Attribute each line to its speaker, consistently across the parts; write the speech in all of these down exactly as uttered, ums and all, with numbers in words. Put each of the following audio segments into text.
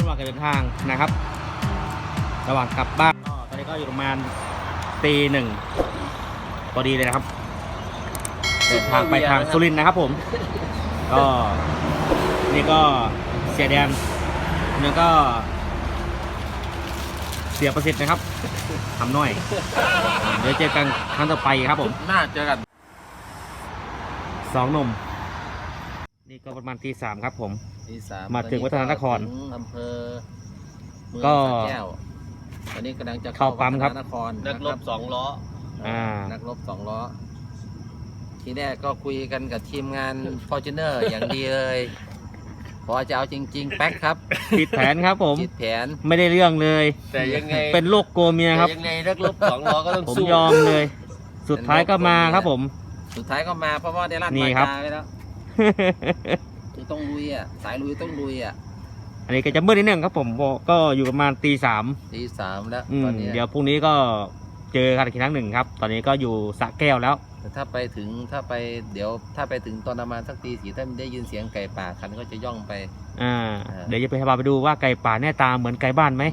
Speaker 1: ระหว่างการเดินทางนะครับระหว่างกลับบ้านก็ตอนนี้ก็อยู่ประมาณตีหนึ่งพอดีเลยนะครับเดินทางไปทางสุรินทร์นะครับผมก็นี่ก็เสียแดนนี่ก็เสียประสิทธิ์นะครับทำน้อยเดี๋ยวเจอกันครั้งต่อไปครับผม
Speaker 2: น่าเจอกัน
Speaker 1: สองหนุ่มนี่ก็ประมาณตีสามครับผม
Speaker 2: ตีสาม
Speaker 1: มาถึงวัฒนนคร
Speaker 2: อำเภอเมือง
Speaker 1: ก็
Speaker 2: สระแก้วตอนนี้กำลังจะ
Speaker 1: เข้าปั๊มครับ
Speaker 2: นคร
Speaker 3: นักรบสองล้อ
Speaker 1: อ่า
Speaker 2: นักรบสองล้อทีแรกก็คุยกันกับทีมงาน Fortuner อย่างดีเลยพอจะเอาจริงๆแป๊กครับ
Speaker 1: ผิดแผนครับผม
Speaker 2: ผิดแผน
Speaker 1: ไม่ได้เรื่องเลย
Speaker 3: แต่ยังไง
Speaker 1: เป็นโรคโกเมียครับ
Speaker 3: ยังไงนักรบสองล้อก็ต้อง
Speaker 1: ผม
Speaker 3: สู้
Speaker 1: ยอมเลย สุดท้ายก็มาครับผม
Speaker 2: สุดท้ายก็มาเพราะว่าได้ลั่น
Speaker 1: นี่
Speaker 2: มา
Speaker 1: ครับ
Speaker 2: จาไปแล้วคือต้องลุยอ่ะสายลุยต้องลุยอ่ะ
Speaker 1: อันนี้ก็จะมืดนิดนึงครับผมก็อยู่ประมาณตีสาม
Speaker 2: ตีสามแล้ว
Speaker 1: ตอนนี้เดี๋ยวพรุ่งนี้ก็เจอกันอีกครั้งหนึ่งครับตอนนี้ก็อยู่สระแก้วแล้ว
Speaker 2: แต่ถ้าไปถึงถ้าไปเดี๋ยวถ้าไปถึงตอนประมาณสักตีสี่ถ้าได้ยินเสียงไก่ป่าคันก็จะย่องไป
Speaker 1: อ่าเดี๋ยวจะไปพาไปดูว่าไก่ป่าแน่ตาเหมือนไก่บ้านไหม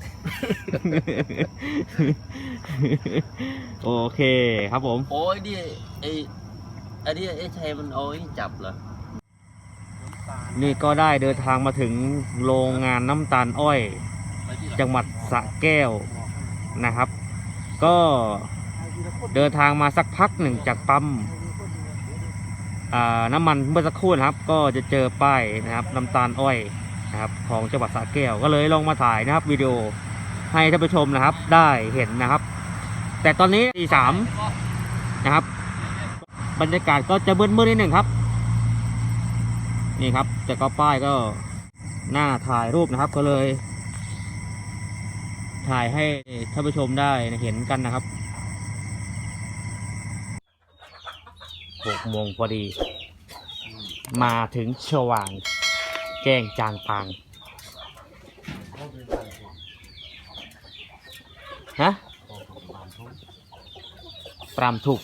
Speaker 1: โอเคครับผม
Speaker 3: โอ้ยดิไออันนี้ไอ้ชัยมันเอาไอ้จับเหรอ
Speaker 1: นี่ก็ได้เดินทางมาถึงโรงงานน้ำตาลอ้อยจังหวัดสระแก้วนะครับก็เดินทางมาสักพักหนึ่งจากปั๊มน้ำมันเมื่อสักครู่นะครับก็จะเจอป้ายนะครับน้ำตาลอ้อยนะครับของจังหวัดสระแก้วก็เลยลองมาถ่ายนะครับวิดีโอให้ท่านผู้ชมนะครับได้เห็นนะครับแต่ตอนนี้ตีสามนะครับบรรยากาศก็จะมืดๆนิดหนึ่งครับนี่ครับแต่ก็ป้ายก็หน้าถ่ายรูปนะครับก็เลยถ่ายให้ท่านผู้ชมได้เห็นกันนะครับหกโมงพอดีมาถึงสว่างแจ้งจางปางฮะปรามถูก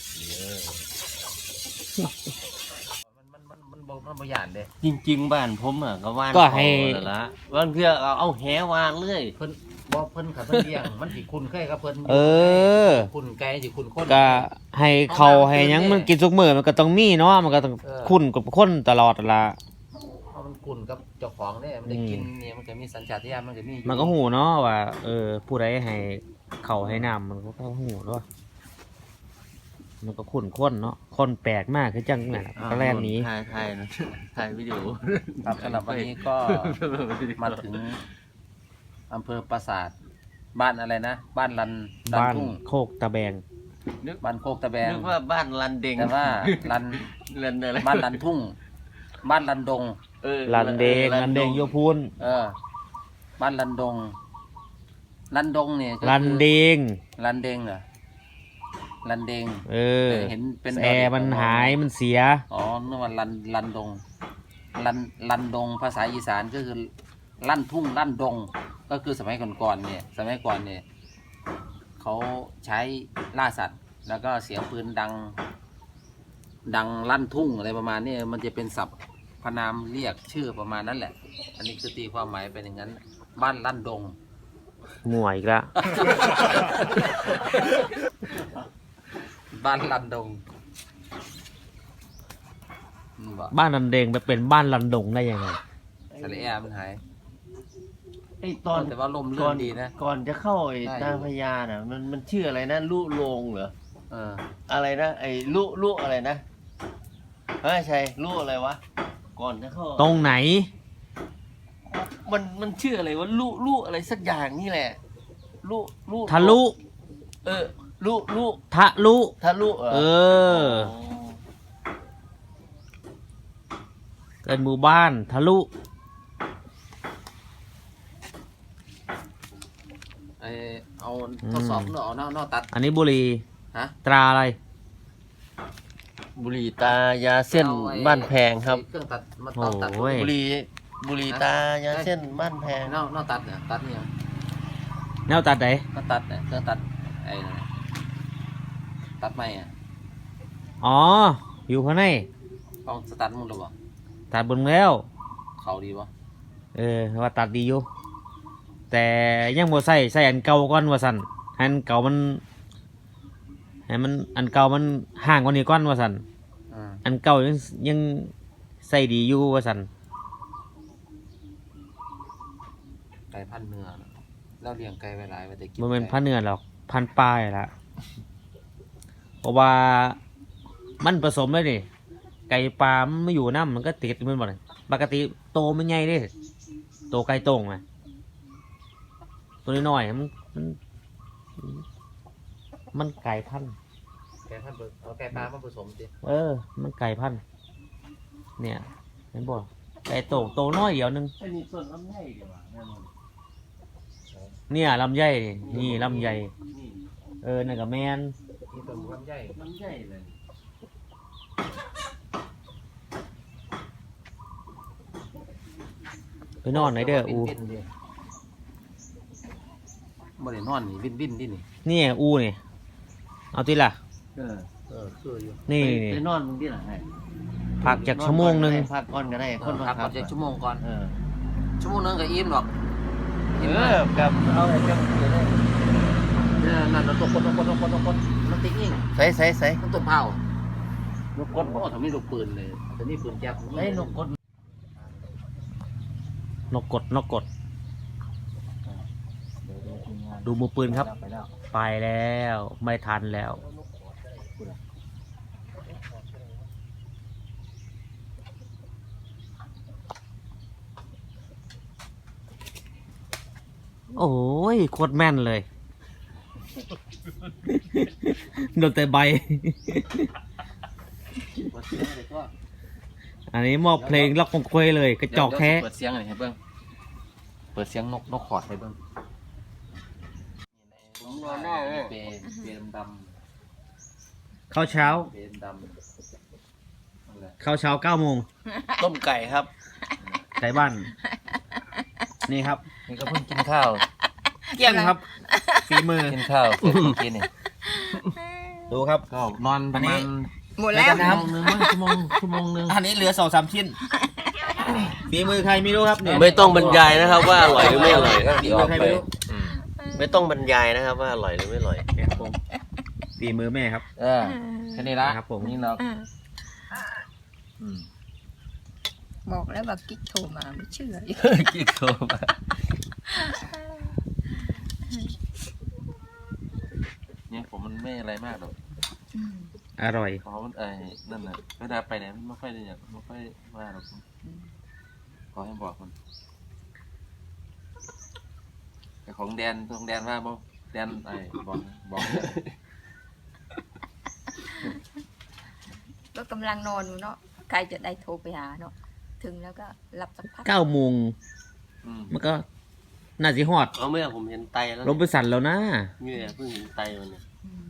Speaker 2: มันมันมันมันมันประหยัดเลย
Speaker 3: จริงๆบ้านผมอ่ะก็ว่าน
Speaker 1: ก็ให้
Speaker 3: ละวันเพื่อเอาเอาแหวานเลย
Speaker 2: เพิ่นบ่เพิ่นขับเพิ่นเลี้ยงมันสิคุณเคยกับเพิ่น
Speaker 1: เออ
Speaker 2: คุณไก่สิคุณคน
Speaker 1: ก็ให้เขาให้ยังมันกินสุกมื้อมันก็ต้องมีเนาะมันก็ต้องคุ้นกับคนตลอดละ
Speaker 2: เพราะมันคุณกับเจ้าของเนี่ยมันได้กินเนี่ยมันจะมีสัญชาตญาณมันจะมี
Speaker 1: มันก็หูเนาะว่าเออผู้ใดให้เขาให้น้ำมันก็ต้องหูด้วยมันก็ขุ่นข้นเนาะคนแปลกมากคือจังน่ะก็แรกนี้
Speaker 3: ถ่ายถ่ายนะถ่ายวิดีโอ
Speaker 2: ครับสำหรับวันนี้ก็มาถึงอำเภอปราสาทบ้านอะไรนะบ้านลัน
Speaker 1: บ้านโคกตะแบง
Speaker 2: นึกบ้านโคกตะแบง
Speaker 3: นึกว่าบ้านลันเดง
Speaker 2: แต่ว่าลัน
Speaker 3: ลันอะไร
Speaker 2: บ้านลันทุ่งบ้านลันดง
Speaker 1: เออลันเดงลันเดงโยพูน
Speaker 2: เออบ้านลันดงลันดงเนี่ย
Speaker 1: ลันเดง
Speaker 2: ลันเดงเหรอลันเดง
Speaker 1: เออ
Speaker 2: เห็นเป็น
Speaker 1: แอร์มันหายมันเสีย
Speaker 2: อ๋อนึกว่าลันลันดงลันลันดงภาษาอีสานก็คือลั่นทุ่งลั่นดงก็คือสมัยก่อนๆเนี่ยสมัยก่อนเนี่ยเขาใช้ล่าสัตว์แล้วก็เสียงปืนดังดังลั่นทุ่งอะไรประมาณนี้มันจะเป็นศัพท์พนามเรียกชื่อประมาณนั้นแหละอันนี้คือตีความหมายเป็นอย่างนั้นบ้านลั่นดง
Speaker 1: มั่วอีกแล้ว
Speaker 2: บ้านลันดง
Speaker 1: บ้านลันเดงไปเป็นบ้านลันดงได้ยังไง
Speaker 2: สระแอมันหาย
Speaker 3: ไอตอน
Speaker 2: แต่ว่าลมเลื่อนดีนะ
Speaker 3: ก่อนจะเข้าไอตาพญาน่ะมันมันชื่ออะไรนะลุโรงเหรอเอออะไรนะไอลุลุอะไรนะเฮ้ยชัยลุอะไรวะก่อนจะเข้า
Speaker 1: ตรงไหน
Speaker 3: มันมันชื่ออะไรวะลุลุอะไรสักอย่างนี่แหละลุลุ
Speaker 1: ทะลุ
Speaker 3: เออลุลุ
Speaker 1: ทะลุ
Speaker 3: ทะลุ
Speaker 1: เออเป็นหมู่บ้านทะลุ
Speaker 2: ไอเอาทดสอบเนาะเนาะเนาะตัด
Speaker 1: อันนี้บุหรี่
Speaker 2: ฮะ
Speaker 1: ตราอะไร
Speaker 3: บุหรี่ตายาเส้นบ้านแพงครับ
Speaker 2: เครื่องตัดมาตัดตัด
Speaker 3: บุหรี่บุหรี่ตายาเส้นบ้านแพง
Speaker 2: เนาะเนาะตัดเนี่ยตัดเนี่ย
Speaker 1: แนวตัดไหน
Speaker 2: ก็ตัดเนี่ยเครื่องตัดไอ้ตัดไม้อ่ะ
Speaker 1: อ๋ออยู่ข้างใน
Speaker 2: ต้องสตาร์ทมึงหรือเปล่า
Speaker 1: ตัดบนแล้ว
Speaker 2: เขาดีปะ
Speaker 1: เออว่าตัดดีอยู่แต่ยังบ่ใส่ใส่อันเก่าก่อนว่าซั่นให้อันเก่ามันให้มันอันเก่ามันห่างกว่านี้ก่อนว่าซั่น
Speaker 2: อืม
Speaker 1: อันเก่ายังยังใส่ดีอยู่ว่าซั่น
Speaker 2: ไก่พันเนื้อน่ะเราเลี้ยงไก่ไว้หลายไว้แต่กิน
Speaker 1: บ่แม่น
Speaker 2: ไก่
Speaker 1: พันเนื้อหรอกพันปลายละเพราะว่ามันผสมเลยนี่ไก่ปลามันไม่อยู่น้ำมันก็ติดมันบ่ได้ปกติโตมันใหญ่เด้โตไก่โต่งอ่ะตัวน้อยๆมันมันมันไก่พันธุ์
Speaker 2: ไก่พันธุ์เอาไก่ปลามาผสมสิ
Speaker 1: เออ มันไก่พันธุ์เนี่ยเห็นบ่ไก่โต่งโตน้อยเดียวนึง
Speaker 3: ไอ้นี่ส่วนลำไยดีกว่าแน่นอน
Speaker 1: เนี่ยลำไยนี่นี่ลำไย
Speaker 3: นี่
Speaker 1: เออนั่นก็แมน
Speaker 2: นี่ต้นลำไย
Speaker 3: ลำไยเลย
Speaker 1: ไปนอนไหนเด้ออู
Speaker 2: วินๆดิบ่ได้นอนนี่วินวินๆดินี่
Speaker 1: นี่อูนี่เอาติล่ะ
Speaker 3: เออ
Speaker 2: เออคืออยู่
Speaker 1: นี่
Speaker 3: ไป
Speaker 1: นี่
Speaker 3: ไปนอนมึงที่ไหนให้
Speaker 1: พักจากชั่วโมงหนึง
Speaker 3: พักก่อนก็ได้คน
Speaker 2: พักก่
Speaker 3: พั
Speaker 2: อน
Speaker 3: ก
Speaker 2: จะชั่วโมงก่อน
Speaker 3: เออ
Speaker 2: ชั่วโมงนึงก็อิ่มหรอก
Speaker 3: เออกับเอาไอ้เจ้าเดี๋ยวได้
Speaker 2: เนี่ยนั่นเราตกคนตกคนตกคนตกคนมันติ๊กยิง
Speaker 3: ใส่ใส่ใส่
Speaker 2: มันตกเผานกกดโอ้ทำนี่ลูกปืนเลยแต่นี่ปืนแก๊ป
Speaker 3: ไอ้นกกด
Speaker 1: นกกดนกกด ดูมือปืนครับ
Speaker 2: ไปแล้ว
Speaker 1: ไปแล้วไม่ทันแล้ว โอ้ยโคตรแม่นเลย โดนแต่ใบ
Speaker 2: เปิดเสียงเลยก็
Speaker 1: อันนี้มอบเพลงล็อกคงเควยเลย กระจอกแท้
Speaker 2: เปิดเสียงหน่อยให้เบิ้งเปิดเสียงนกนกขอดให้เบิ้ง
Speaker 3: ผมนอนได้เลย
Speaker 2: เปรย์เปรย์ด
Speaker 1: ข้าวเช้า
Speaker 2: ำเปรย์ดำนั่นแหละ
Speaker 1: ข้าวเช้าเก้าโมง
Speaker 3: ต้มไก่ครับ
Speaker 1: ไก่บ้าน นี่ครับ
Speaker 2: นี่ก็เพิ่งกินข้าว
Speaker 1: เกี้ยงครับ ฝีมือ
Speaker 2: กินข้าวเสร็จเมื่อกี้นี่
Speaker 1: ดูครับ
Speaker 2: ก็นอนประมาณ
Speaker 4: หมดแล้ว
Speaker 2: ชั่วโมงนึงมั้งชั่วโมงชั่วโมงนึง
Speaker 1: อันนี้เหลือสองสามชิ้น ฝีมือใครไม่รู้ครับเนี่ย
Speaker 3: ไม่ต้องบรรยายนะครับว่าอร่อยหรือไม่อร่อย
Speaker 1: ฝีมือใครไม่รู้
Speaker 2: อืม
Speaker 3: ไม่ต้องบรรยายนะครับว่าอร่อยหรือไม่อร่อย
Speaker 1: เนี่ยครับผมฝีมือแม่ครับ
Speaker 2: เออแค่นี้ละ
Speaker 1: ครับผม
Speaker 2: นี่เนาะ
Speaker 4: อ่า
Speaker 2: อืม
Speaker 4: บอกแล้วว่ากิ๊กโทรมาไม่เชื่ออีก
Speaker 2: กินโคมาเนี่ยผมมันไม่อะไรมากหรอก
Speaker 1: อร่อย
Speaker 2: เพราะมันไอ้นั่นแหละเวลาไปไหนมันไม่ค่อยได้อยากไม่ค่อยว่าหรอกขอให้บอกมันแต่ของแดนของแดนว่าบ่แดนไอ้บอกบอก
Speaker 4: ก็กำลังนอนอยู่เนาะใครจะได้โทรไปหาเนาะถึงแล้วก็รับสักพัก
Speaker 1: เก้าโมง
Speaker 2: อืม
Speaker 1: มันก็น่าจะฮอด
Speaker 3: เอาไม่เอาผมเห็นไตแล้ว
Speaker 1: ลงไปสั่นแล้วนะ
Speaker 3: เนี่ยเพิ่งเห็นไตมันเนี่ย
Speaker 4: อืม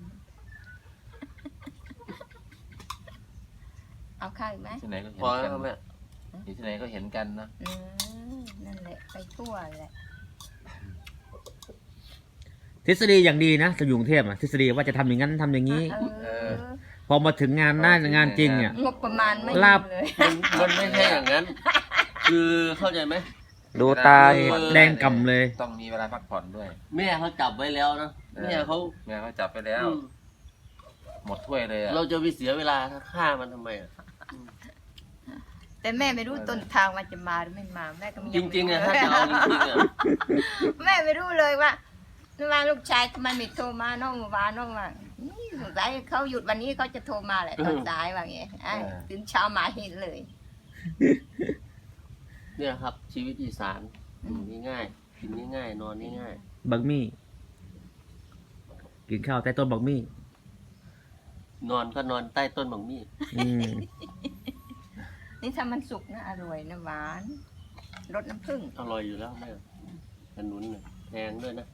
Speaker 4: เอาข้าวอีกไหม
Speaker 2: ที่ไหนก็เห็
Speaker 3: พ
Speaker 2: น
Speaker 3: อ
Speaker 2: กั
Speaker 3: แล้ว
Speaker 2: น
Speaker 3: ครับแม่
Speaker 2: อยู่ที่ไหนก็เห็นกันนะ
Speaker 4: อืมนั่นแหละไปทั่วแหละ
Speaker 1: ทฤษฎีอย่างดีนะจะอยู่กรุงเทพอะทฤษฎีว่าจะทำอย่างนั้นทำอย่างนี้
Speaker 4: เออ
Speaker 1: พอมาถึงงานหน้างานจริงเนี่ย
Speaker 4: งบประมาณไม่
Speaker 1: ลาบ
Speaker 4: มีเลย
Speaker 3: มันมันไม่ใช่อย่างนั้น คือเข้าใจไหม
Speaker 1: ดูตาแดงกำเลย
Speaker 2: ต้องมีเวลาพักผ่อนด้วย
Speaker 3: แม่เขาจับไว้แล้วนะแม่เขา
Speaker 2: แม่เขาจับไปแล้ว
Speaker 3: อืม
Speaker 2: หมดถ้วยเลยอะ
Speaker 3: เราจะไปเสียเวลาฆ่ามันทำไมอ่ะ
Speaker 4: แต่แม่ไม่รู้ต้นทางมันจะมาหรือไม่มาแม่ก็ไม่
Speaker 3: จริงๆอ่ะถ้าจะเอาจริงๆอ่ะ
Speaker 4: แม่ไม่รู้เลยว่าว่าลูกชายทำไมไม่โทรมาน้องวาน้องว่าอืมสงสัยเขาหยุดวันนี้เขาจะโทรมาแหละตอนสายว่าไงอ่ะตื่นเช้ามาเห็นเลย
Speaker 3: เนี่ยครับ ชีวิตอีสานอยู่ง่ายๆกินง่ายๆนอนง่าย
Speaker 1: บักมี่ กินข้าวใต้ต้นบักมี่
Speaker 3: ๆนอนก็นอนใต้ต้นบังมี่
Speaker 1: อืม
Speaker 4: นี่ถ้ามันสุกนะอร่อยนะหวานรสน้ำผึ้ง
Speaker 3: อร่อยอยู่แล้วแม่ขนุนเนี่ยแพงด้วยนะ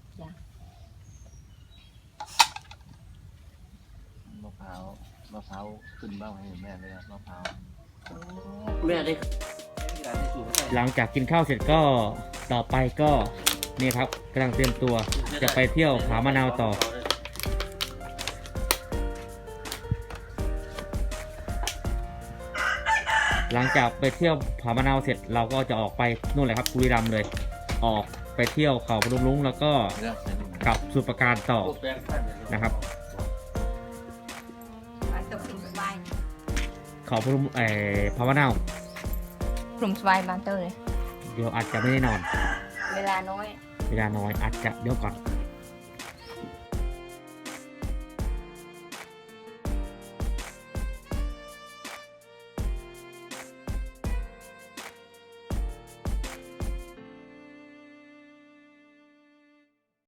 Speaker 2: มะพร้าวมะพร้าวขึ้นบ้างให้แม่เลยอะมะพร้าว
Speaker 3: แม่ได้
Speaker 1: หลังจากกินข้าวเสร็จก็ต่อไปก็นี่ครับกำลังเตรียมตัวจะไปเที่ยวผามะนาวต่อ
Speaker 4: อ
Speaker 1: หลังจากไปเที่ยวผามะนาวเสร็จเราก็จะออกไปนู่นเลยครับบุรีรัมย์เลย ออกไปเที่ยวเขาพนมรุ้งแล้วก็กลับสุประการต่อนะครับ
Speaker 4: มันตกกลุ่มสบาย
Speaker 1: เขาพนมเอ่อผามะนาว
Speaker 4: กลุ่มสบายบานเตอร์เลย
Speaker 1: เดี๋ยวอาจจะไม่ได้นอน
Speaker 4: เวลาน้อย
Speaker 1: เวลาน้อยอาจจะเดี๋ยวก่อน